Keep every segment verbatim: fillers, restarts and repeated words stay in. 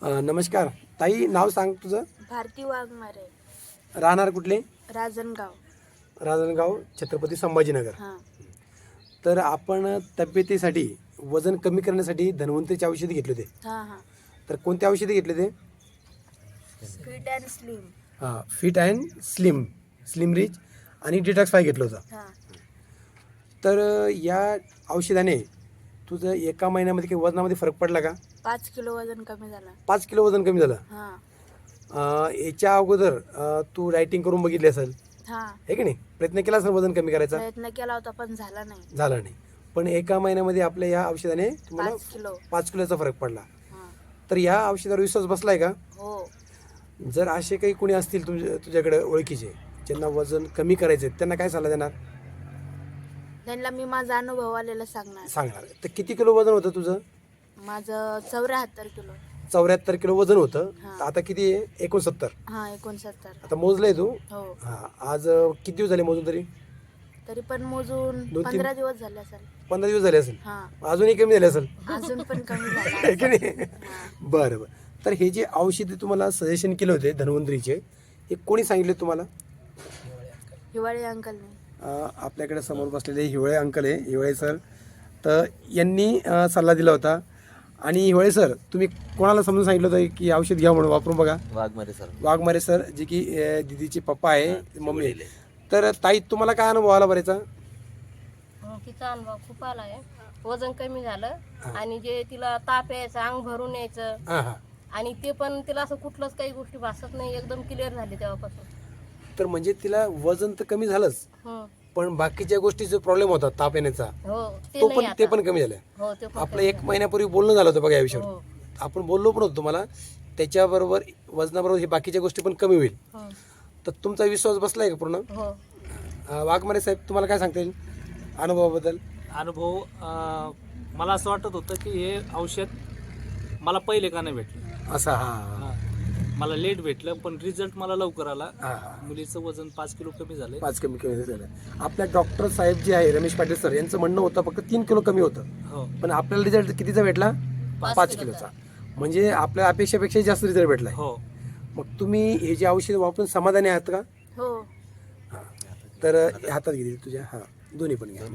अ, नमस्कार ताई, नाव सांग तुझं. भारती वाघमारे, राहणार कुठले? राजनगाव. राजनगाव, छत्रपती संभाजीनगर. हां तर आपण तब्येतीसाठी वजन कमी करण्यासाठी धन्वंतरीची औषधी घेतले होते. हां हां तर कोणते औषधी घेतले ते? Fit and slim. हां, fit and slim, slim rich आणि डिटॉक्स फाय घेतलं होतं. हां तर अ, या औषधाने तुझं एका महिन्यामध्ये काही वजनामध्ये फरक पडला का? पाच किलो वजन कमी झालं. पाच किलो वजन कमी झालं. हां अ, याच्या अगोदर अ, तू डायटिंग करून बघितली असेल, हां आहे की नाही? प्रयत्न केला असेल वजन कमी करायचा, प्रयत्न केला होता पण झाला नाही. झाला नाही. पण एका महिन्यामध्ये आपल्या या औषधाने तुम्हाला पाच किलो. पाच किलोचा फरक पडला. हां तर या औषधावर विश्वास बसलाय का? हो. जर असे काही कोणी असतील तुझ्या तुझ्याकडे ओळखीचे ज्यांना वजन कमी करायचे, त्यांना काय सल्ला देणार? त्यांना मी माझा अनुभव आलेला सांगणार. सांगणार. तर किती किलो वजन होतं तुझं? माझं चौऱ्याहत्तर किलो. चौऱ्याहत्तर किलो वजन होतं. हां. तर आता किती आहे? एकोणसत्तर. हां एकोणसत्तर. आता मोजलंय तू? हो. हां. आज अ, किती दिवस झाले मोजून तरी? तरी पण मोजून दोन तीन- पंधरा दिवस झाले असेल. पंधरा दिवस झाले असेल. हां अजूनही कमी झाले असेल. अजून पण कमी झाला. आहे की नाही? हां. बरं बरं. तर हे जे औषधी तुम्हाला सजेशन केले होते धन्वंतरीचे, हे कोणी सांगितले तुम्हाला? हिवाळी अंकलने. अ, आपल्याकडे समोर बसलेले हिवळे अंकल आहे, हिवळे सर. तर यांनी अ, सल्ला दिला होता. आणि हिवळे सर, तुम्ही कोणाला समजून सांगितलं होतं की औषध घ्या म्हणून, वापरून बघा? वाघमारे सर. वाघमारे सर, जे की अ, दिदीचे पप्पा आहे, मम्मी आहे. तर ताई, तुम्हाला काय अनुभव आला बरेचा? तिचा अनुभव खूप आला आहे. वजन कमी झालं आणि जे तिला ताप यायचा, अंग भरून यायचं हां हां. आणि ते पण तिला असं कुठलंच काही गोष्टी भासत नाही, एकदम क्लिअर झाली तेव्हापासून. तर म्हणजे तिला वजन तर कमी झालंच, हं. पण बाकीच्या गोष्टीचा प्रॉब्लेम होता ताप येण्याचा, हो ते तो नाही पण ते आता. पण कमी झालं. हो ते पण आपलं कमी एक महिन्यापूर्वी बोलणं झालं होतं बघा या विषयावर. झालं. हो. आपण बोललो पण होतो तुम्हाला, त्याच्याबरोबर वजनाबरोबर हे बाकीच्या गोष्टी पण कमी होईल. हं. तर तुमचा विश्वास बसलाय का पूर्ण? हो. अं, वाघमारे साहेब, तुम्हाला काय सांगता येईल अनुभवाबद्दल? अनुभव अं, मला असं वाटत होतं की हे औषध मला पहिले का नाही भेटलं. असा हा हां. मला लेट भेटलं, पण रिझल्ट मला लवकर आला. हा हा. मुलीचं वजन पाच किलो कमी झालं. पाच कमी कमी झालं. आपल्या डॉक्टर साहेब जे आहे रमेश पाटील सर, यांचं म्हणणं होतं फक्त तीन किलो कमी होतं, हो. पण आपल्याला रिझल्ट कितीचा भेटला? पाच पाच किलोचा. किलोचा. म्हणजे आपल्या अपेक्षेपेक्षा जास्त रिझल्ट भेटला. हो. मग तुम्ही हे जे औषध वापरून समाधानी आहात का? हो. तर हे हातात घे तुझ्या. हां, दोन्ही पण घ्या.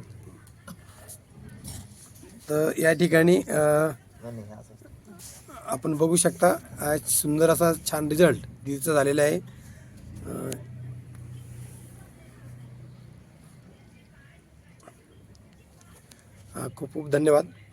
तर या ठिकाणी अं, आपण बघू शकता, आज सुंदर असा छान रिझल्ट दिदीचा झालेला आहे. अं, हा, खूप खूप धन्यवाद.